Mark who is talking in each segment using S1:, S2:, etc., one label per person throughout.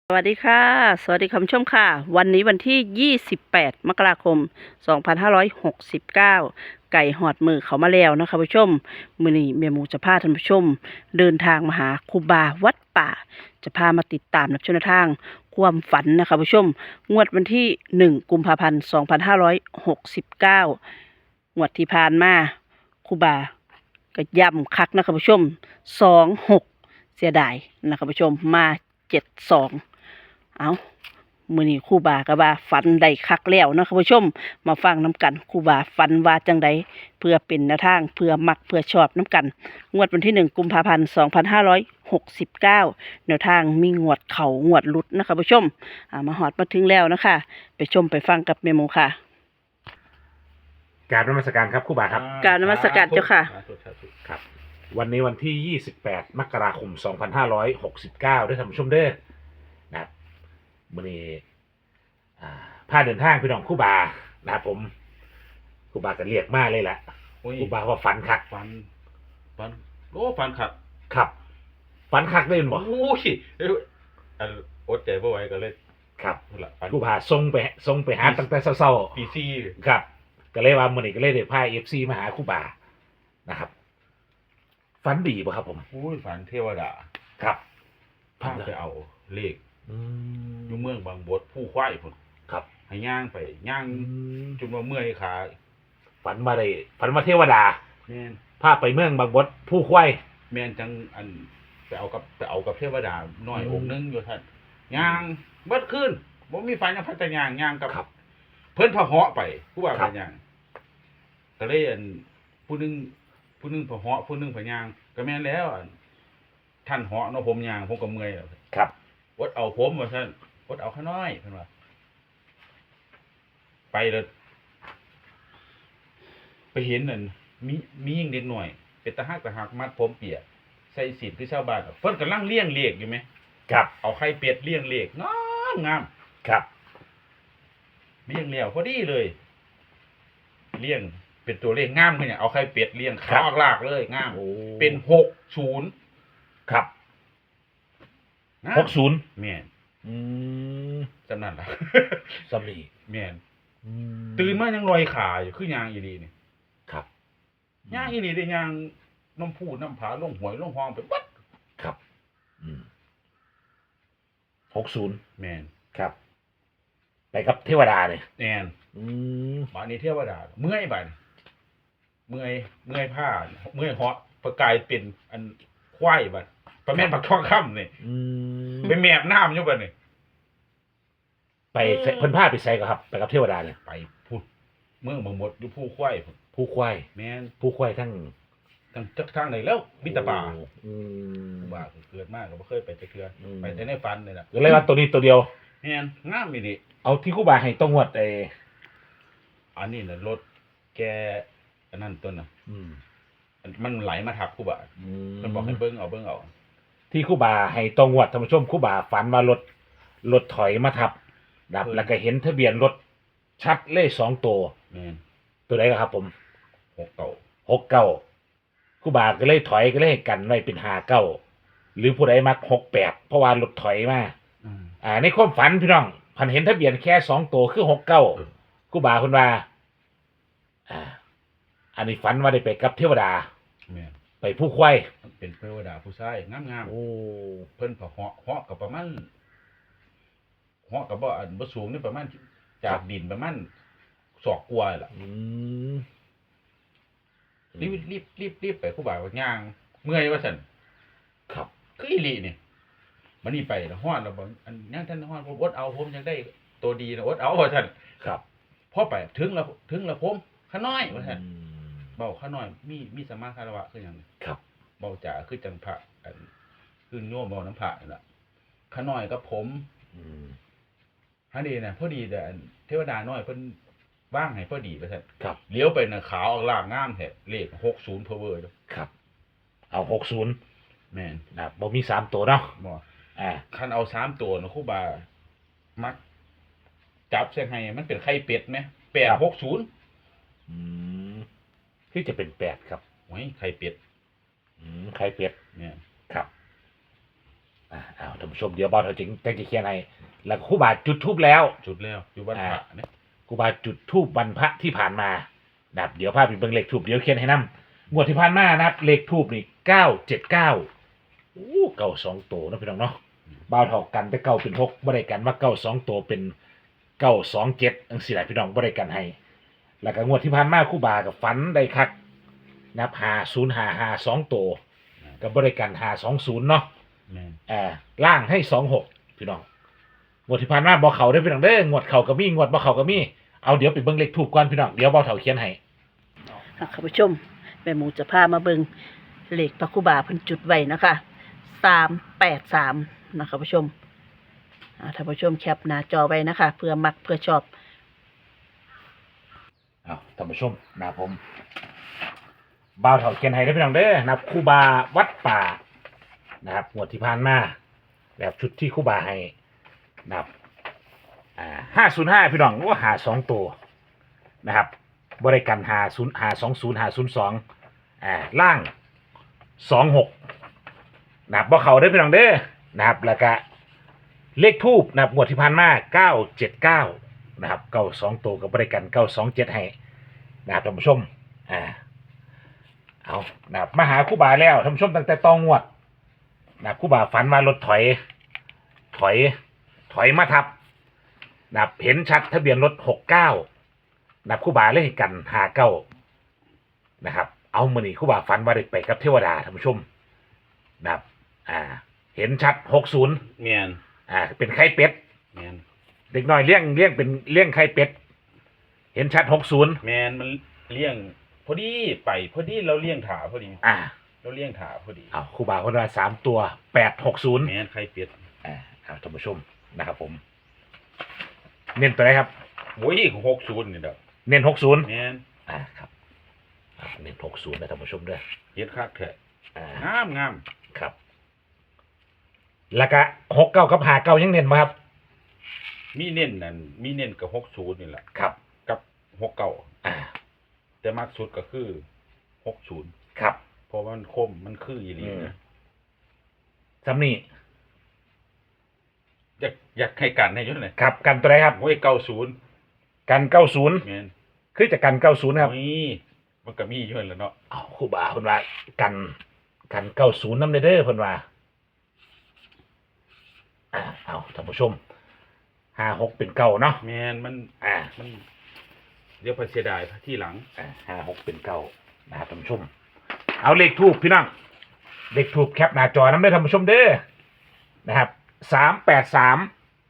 S1: สวัสดีค่ะสวัสดีคุณผู้ชมค่ะวันนี้วันที่28มกราคม2569ไก่หอดมือเขามาแล้วนะคะผู้ชมมื้อนี้แม่หมูจะพาท่านผู้ชมเดินทางมาหาครูบาวัดป่าจะพามาติดตามรับชมแนวทางความฝันนะคะผู้ชมงวดวันที่1กุมภาพันธ์2569งวดที่ผ่านมาครูบาก็ย้ำคักนะคะผู้ชม26เสียดายนะคะผู้ชมมา72เอามื้อนี้ครูบาก็ว่าฝันได้คักแล้วเนาะค่ะผู้ชมมาฟังน้ำกันครูบาฝันว่าจังใดเพื่อเป็นแนวทางเพื่อมักเพื่อชอบน้ำกันงวดวันที่1กุมภาพันธ์2569แนวทางมีงวดเขางวดหลุดนะคะผู้ชมมาฮอดมาถึงแล้วนะคะไปชมไปฟังกับแม่หมูค่ะ
S2: กราบนมัสการครับครูบาครับ
S1: กราบนมัสการเจ้าค่ะ
S2: ครับ วันนี้วันที่28มกราคม2569ด้วยท่านผู้ชมเด้อนะครับมื้อนี้พาเดินทางพี่น้องครูบานะครับผมครูบาก็เรียกมาเลยแหละ
S3: โอ้ย
S2: ครูบาว่าฝันคัก
S3: ฟันโอ้ฟันขัด
S2: ครับฝันคักได้บ่
S3: โอ้ยอันอดใจบ่ไหวก็เลย
S2: ครับ
S3: นั่นล่ะฟัน
S2: ครูบาส่งไปหาตั้งแต่เช้า
S3: ปีซี่
S2: ๆครับ ก็เลยว่ามื้อนี้ก็เลยได้พา FC มาหาครูบานะครับฝันดีบ่ครับผม
S3: โอ้ยฝันเทวดา
S2: ครับ
S3: พาไปเอาเลข
S2: อื
S3: อยู่เมืองบางบดผู้ควายพุ่น
S2: ครับ
S3: ให้ย่างไปย่างจนว่าเมื่อยขา
S2: ฝันมาเทวดา
S3: แม่น
S2: พาไปเมืองบางบดผู้ควาย
S3: แม่นจังอันไปเอากับเทวดาน้อย
S2: อืม
S3: องค์หนึงอยู่ท่านย่างเบิดคืนบ่มีไฟนะพัฒนย่างกับ
S2: ครับ
S3: เพิ่นพะเหาะไปผู้ว่า
S2: ครั
S3: ไป
S2: บ
S3: ย่างก็เลยอันผู้หนึงพะเหาะผู้หนึงพะย่างก็แม่นแล้วอันท่านเหาะเนาะผมย่างผมก็เมื่อยแล้ว
S2: ครับ
S3: อดเอาผมว่าซั่นอดเอาข้าน้อยเพิ่นว่าไปแล้วไปเห็นนั่นมียิ่งเด็กหน่อยเป็นตาหักมัดผมเปียกใส่สีลคือชาวบ้านอะเพิ่นกำลังเลี้ยงเลขอยู่ไหม
S2: ครับ
S3: เอาไข่เป็ดเลี้ยงเลขงาม
S2: ครับ
S3: เลี้ยงแล้วพอดีเลยเลี้ยงเป็นตัวเลขงามคือหยังเอาไข่เป็ดเลี้ยงขาวลากเลยงาม
S2: โอ้
S3: เป็น60
S2: ครับ
S3: งาม
S2: 60
S3: แม่น
S2: อืม
S3: จำนั่นล่ะ
S2: สำลี
S3: แม่น
S2: อื
S3: ตื่นมายังลอยขาอยู่คือยางอีหลีนี่
S2: ครับ
S3: ยางอีหลีได้ยางน้ำพูน้ำผาลงหวยลงห้องไปบัด
S2: ครับอืม60
S3: แม่น
S2: ครับ ไปกับเทวดาเนี่ย
S3: แม่น
S2: อืม
S3: บาดนี้เทวดาเมื่อยบาดนี้เมื่อยผ้าเมื่อยเหาะประกายเป็นอันควายบัดประแม่นปักทองค่ำนี่
S2: อืม
S3: ไปแมบน้ำอยู่บัดนี่
S2: ไปเพิ่นพาไปใส่ก็ครับ ไปกับเทวดาเนี่ย
S3: ไปพูดเมืองบางหมดอยู่ผู้ควายพุ่น
S2: ผู้ควาย
S3: แม่น
S2: ผู้ควายทั้ง
S3: จักทางไหนแล้วมิตรป่า
S2: โอ้อืม
S3: ว่าเกิดมากก็บ่เคยไปจักเทื่ออ
S2: ม
S3: ไปแต่ในฝันนี่ล่ะ
S2: ก็เลยว่าตัวนี้ตัวเดียว
S3: แม่นงามอีนี่
S2: เอาที่ครู่บาให้ต้องงวด
S3: อันนี้น่ะรถแกอันนั้นต้นน่ะ
S2: อืม
S3: มันไหลมาทับกูบ่า
S2: อืม
S3: มันบอกให้เบิ่งเอา
S2: ที่ครู่บาให้ต้องงวดท่านผู้ชมครู่บาฝันว่ารถถอยมาทับนะครับแล้วก็เห็นทะเบียนรถชัดเลข2ตัว
S3: แม่น
S2: ตัวไหนครับผม
S3: 6เก่า
S2: 69ครู่บาก็เลยถอยก็เลยให้กันไว้เป็น59หรือผู้ใดมัก68เพราะว่ารถถอยมา ในความฝันพี่น้องพันเห็นทะเบียนแค่2ตัวคือ69ครู่บาเพิ่นว่าอันนี้ฝันว่าได้ไปกับเทวดา
S3: แม่น
S2: ไปผู้ควาย
S3: มันเป็นเทวดาผู้ชายงาม
S2: โอ้
S3: ๆเพิ่นก็เหาะกับประมาณเหาะกับบ่อันบ่สูงนี่ประมาณจากดินประมาณศอกกว่าล่ะ
S2: อืม
S3: รีบไปครูบาว่าย่างเมื่อยว่าซั่น
S2: ครับ
S3: คืออีหลีนี่มันนี่ไปแล้วฮอดแล้วบ่อันยังท่านฮอดผมอดเอาผมยังได้ตัวดีนะอดเอาว่าซั่น
S2: ครับ
S3: พอไปถึงแล้วผมขาน้อยว่าซั่น
S2: อืม
S3: เบาขาน้อยมีสมาคารวะคือหยัง
S2: ครับ
S3: เบาจ๋าคือจังพระอันคือโยมเบาน้ำพระนี่ล่ะขาน้อยกับผม
S2: อืม
S3: หาดีน่ะพอดีแต่อันเทวดาน้อยเพิ่นว่างให้พอดีว่าซั่น
S2: ครับ
S3: เลี้ยวไปน่ะขาวออกล่างงามแท้เลข60 power เด้อ
S2: ครับ เอา60
S3: แม่น
S2: นะบ่มี3ตัวเนาะ
S3: บ่
S2: อ่า
S3: คันเอา3ตัวนะครูบามักจับใส่ให้มันเป็นไข่เป็ดไหม860
S2: อืมที่จะเป็น8ครับ
S3: โอ้ยไข่เป็ด
S2: ใครเป็ด
S3: เนี่ย
S2: ครับเอาท่านผู้ชมเดี๋ยวบอลเขาจริงแจ้งจะเขียนให้แล้วครูบาจุดทูบแล้ว
S3: จุดแล้วอยู่บ้านพระเนี่ย
S2: ครูบาจุดทูบวันพระที่ผ่านมานะครับเดี๋ยวภาพเป็นเบิ่งเลขทูบเดี๋ยวเขียนให้นำงวดที่ผ่านมานะครับเลขทูบนี่979เก่า2ตัวนะพี่น้องเนาะบ่าวเท่ากันแต่เก่าเป็น6บ่ได้กันว่าเก่า2ตัวเป็น927จังซี่แหละพี่น้องบ่ได้กันให้แล้วก็งวดที่ผ่านมาครูบากับฝันได้คักนะครับ5055 2ตัวก็บ่ได้กัน520เนาะ
S3: แม่น
S2: ล่างให้26พี่น้องงวดที่ผ่านมาบ่เข้าเด้อพี่น้องเด้องวดเข้าก็มีงวดบ่เข้าก็มีเอาเดี๋ยวไปเบิ่งเลขทูบก่อนพี่น้องเดี๋ยวบ่าวเฒ่าเขียนให้
S1: ค่ะคุณผู้ชมแม่หมูจะพามาเบิงเลขพระครูบาเพิ่นจุดไว้นะคะ383นะคะผู้ชมท่านผู้ชมแคปหน้าจอไว้นะคะเพื่อมักเพื่อชอบ
S2: เอาท่านผู้ชมนะครับผมบ่าวเฒ่าเขียนให้เด้อพี่น้องเด้อนะครับครูบาวัดป่านะครับงวดที่ผ่านมาแบบชุดที่ครูบาให้นะครับ505พี่น้องว่าหา2ตัวนะครับบริการ520 520 502ล่าง26นะครับบ่เข้าเด้อพี่น้องเด้อนะครับแล้วก็เลขทูบนะครับงวดที่ผ่านมา979นะครับ92ตัวกับบริการ927ให้นะครับท่านผู้ชมเอานะครับมาหาครูบาแล้วท่านผู้ชมตั้งแต่ตองงวดนะครับครูบาฝันว่ารถถอยมาทับนะครับเห็นชัดทะเบียนรถ69นะครับครูบาเลยให้กัน59นะครับเอามื้อนี้ครูบาฝันว่าได้ไปกับเทวดาท่านผู้ชมนะครับเห็นชัด60
S3: แม่น
S2: เป็นไข่เป็ด
S3: แม่น
S2: เด็กน้อยเลี้ยงเป็นเลี้ยงไข่เป็ดเห็นชัด60
S3: แม่นมันเลี้ยงพอดีไปพอดีเราเลี้ยงถาพอดี เราเลี้ยงถาพอดี
S2: เอาครูบาคนว่า3ตัว860
S3: แม่นไข่เป็ด
S2: ครับท่านผู้ชมนะครับผมเน้นตัวไหนครับ
S3: โอ้ย60นี่ดอก
S2: เน้น60
S3: แม่น
S2: ครับเน้น60นะท่านผู้ชมด้วย
S3: เฮ็ดคักแท้ งาม
S2: ครับแล้วก็69กับ59ยังเน้นบ่ครับ
S3: มีเน้นนั่นมีเน้นกับ60นี่แหละ
S2: ครับ
S3: กับ69แต่มากสุดก็คือ60
S2: ครับ
S3: เพราะว่ามันคมมันคืออีหลีนะ
S2: สำนี่
S3: อยากให้กันให้ยุ่นเลย
S2: ครับกันตัวไหนครับ
S3: โอ้ย90
S2: กัน90
S3: แม่น
S2: คือจะกัน90ครับ
S3: นี่มันก็มีอยู่นั่นแหละเนาะ
S2: เอาครูบาเพิ่นว่ากัน90นำเด้อเพิ่นว่าเอาท่านผู้ชม56เป็นเก่าเนาะ
S3: แม่นมันเดี๋ยวไปเสียดายที่หลัง
S2: 56เป็นเก่านะครับท่านผู้ชมเอาเลขทูปพี่น้องเลขทูปแคปหน้าจอนำเด้อท่านผู้ชมเด้อนะครับ383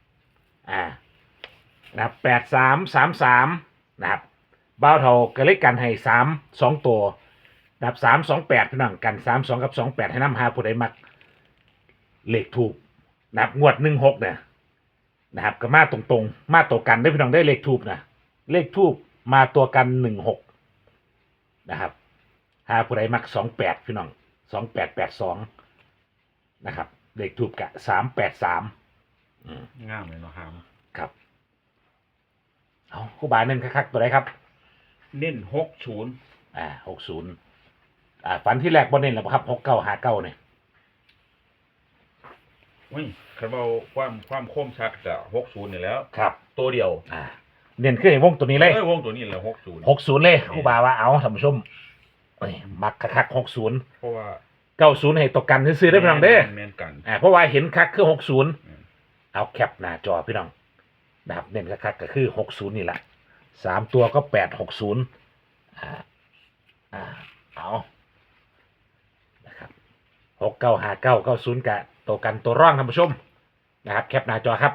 S2: นะครับ8333นะครับบ่าวเฒ่าก็เลขกันให้3 2ตัวนะครับ328พี่น้องกัน32กับ28ให้นำหาผู้ใดมักเลขทูปนะครับงวด16เนี่ยนะครับก็มาตรงๆมาตัวกันได้พี่น้องได้เลขทูปนะเลขทูปมาตัวกัน16นะครับหาผู้ใดมัก28พี่น้อง2882นะครับเลขทูปกะ383
S3: งามเลยเนาะหาม
S2: ครับเอาครูบาเน้นคักๆตัวไหนครับ
S3: เน้น60
S2: 60ฝันที่แรกบ่เน้นแล้วครับ6959เนี่ย
S3: เฮ้ยคันเว้าความคมชัดก็60นี่แหล้ว
S2: ครับ
S3: ตัวเดียว
S2: เน้นขึ้นในวงตัวนี้เลยว
S3: งตัวนี้แหละ60
S2: 60เลยครูบาว่าเอาท่านผู้ชมมักคักๆ60
S3: เพราะว่า
S2: 90ให้ตกกันซื้อๆได้พี่น้องเด้อ
S3: แม่นกัน
S2: เพราะว่าเห็นคักคือ60เอาแคปหน้าจอพี่น้องนะครับเน้นคักๆก็คือ60นี่แหละ3ตัวก็860เอานะครับ695990กะตัวกันตัวร่องท่านผู้ชมนะครับแคปหน้าจอครับ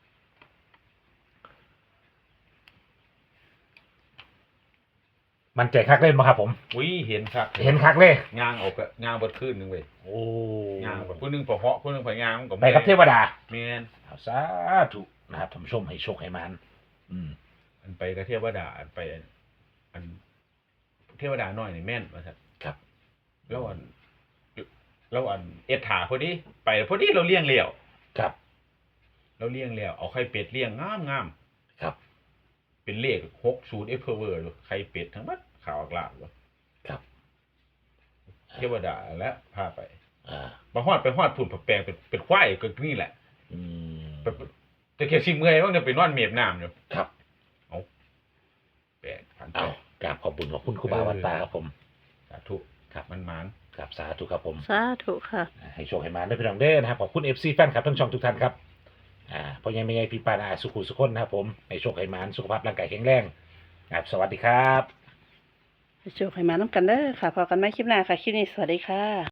S2: มันใจคักเล่นมาครับผม
S3: อุ้ยเห็นคัก
S2: เห็นคักเลย
S3: งางออกก็งางเบิดคืนนึงเว้ย
S2: โอ้
S3: งางเบิดผู้นึงพอเหาะผู้นึงพองางมันก็
S2: ไปกับเทวดา
S3: แม่น
S2: เอาสาธุนะครับท่านผู้ชมให้โชคให้มัน
S3: อันไปกับเทวดาอันไปอันเทวดาน้อยนี่แม่นว่าซั่น
S2: ครับ
S3: แล้วอันเอ็ดถาพอดีไปพอดีเราเลี้ยงแล้ว
S2: ครับ
S3: เราเลี้ยงแล้วเอาไข่เป็ดเลี้ยงงาม
S2: ครับ
S3: เป็นเลข60 F power ไข่เป็ดทั้งหมดขาวกลาบ
S2: ครับ
S3: เทวดาและพาไปมาฮอดไปฮอดพุ่นแปลงเป็นควายก็นี่แหละ
S2: อืม
S3: แต่แค่สิเมื่อยว่าจะไปนอนเมียบน้ำอยู่
S2: ครับ
S3: แปลกผ่านไป
S2: เอากราบขอบคุณขอบคุณครูบาวันตาครับผม
S3: สาธุ
S2: ครับ
S3: มันหมาน
S2: ครับสาธุครับผม
S1: สาธุค่ะ
S2: ให้โชคให้มาได้พี่น้องเด้อนะครับขอบคุณ FC แฟนคลับทั้งช่องทุกท่านครับพ่อใหญ่แม่ใหญ่พี่ปานาสุขุสุขคนนะครับผมให้โชคให้มาสุขภาพร่างกายแข็งแรงครับสวัสดีครับ
S1: ให้โชคให้มาน้ำกันเด้อค่ะพอกันไหมคลิปหน้าค่ะ คลิปนี้สวัสดีค่ะ